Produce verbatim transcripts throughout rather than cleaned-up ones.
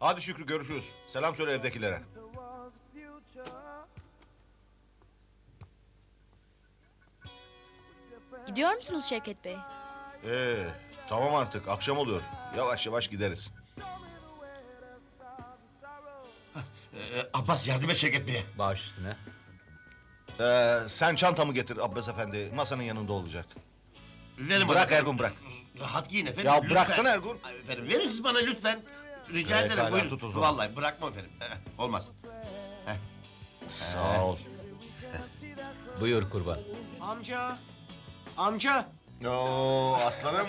Hadi Şükrü görüşürüz. Selam söyle evdekilere. Gidiyor musunuz Şevket Bey? Ee, tamam artık akşam oluyor. Yavaş yavaş gideriz. Ee, Abbas yardım et Şevket Bey'e. Baş üstüne. Ee, sen çantamı getir Abbas Efendi. Masanın yanında olacak. Verin Bırak bana. Ergun, bırak. Rahat giyin efendim. Ya lütfen. bıraksana Ergun. Ay, Efendim verin siz bana lütfen. Rica Evet, ederim hala buyurun. tut o zaman. Vallahi bırakmam efendim. Eh, olmaz. Sağ ol. Buyur kurban. Amca. Amca. Oo, aslanım.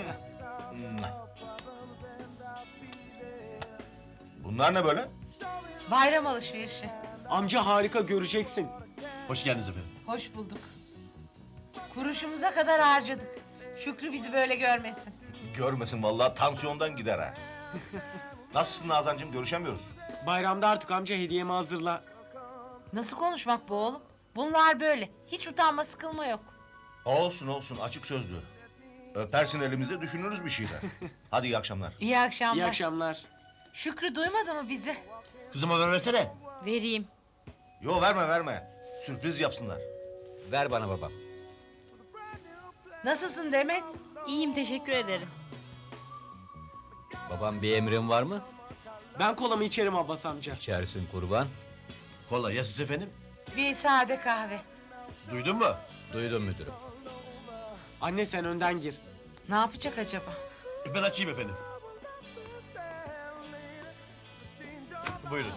Bunlar ne böyle? Bayram alışverişi. Amca harika göreceksin. Hoş geldiniz efendim. Hoş bulduk. Kuruşumuza kadar harcadık. Şükrü bizi böyle görmesin. Görmesin vallahi tansiyondan gider ha. Nasılsın Nazancığım? Görüşemiyoruz. Bayramda artık amca hediyemi hazırla. Nasıl konuşmak bu oğlum? Bunlar böyle. Hiç utanma sıkılma yok. Olsun olsun açık sözlü. Öpersin elimize düşünürüz bir şeyler. Hadi iyi akşamlar. İyi akşamlar. İyi akşamlar. Şükrü duymadı mı bizi? Kızım haber versene. Vereyim. Yo verme verme. Sürpriz yapsınlar. Ver bana babam. Nasılsın Demet? İyiyim, teşekkür ederim. Babam bir emrin var mı? Ben kolamı içerim Abbas amca. İçersin kurban. Kola ya siz efendim? Bir sade kahve. Duydun mu? Duydum müdürüm. Anne sen önden gir. Ne yapacak acaba? Ben açayım efendim. Buyurun.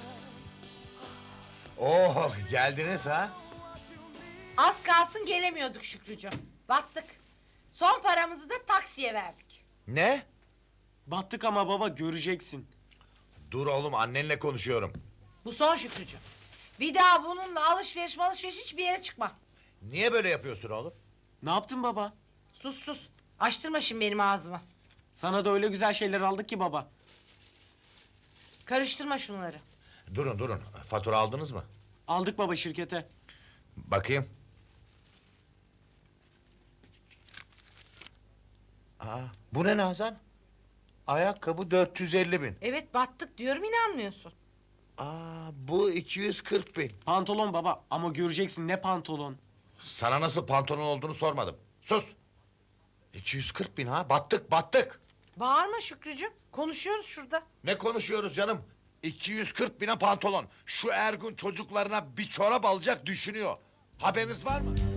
Oh geldiniz ha? Az kalsın gelemiyorduk Şükrücüğüm. Battık. Son paramızı da taksiye verdik. Ne? Battık ama baba göreceksin. Dur oğlum annenle konuşuyorum. Bu son Şükrücüğüm. Bir daha bununla alışveriş alışveriş hiçbir yere çıkma. Niye böyle yapıyorsun oğlum? Ne yaptın baba? Sus sus. Açtırma şimdi benim ağzımı. Sana da öyle güzel şeyler aldık ki baba. Karıştırma şunları. Durun durun. Fatura aldınız mı? Aldık baba şirkete. Bakayım. Aa, bu ne Nazan? Ayakkabı dört yüz elli bin. Evet battık diyorum inanmıyorsun. Aa, bu iki yüz kırk bin. Pantolon baba ama göreceksin ne pantolon. Sana nasıl pantolon olduğunu sormadım. Sus. iki yüz kırk bin ha? Battık battık. Bağırma Şükrücüğüm. Konuşuyoruz şurada. Ne konuşuyoruz canım? iki yüz kırk bine pantolon. Şu Ergun çocuklarına bir çorap alacak düşünüyor. Haberiniz var mı?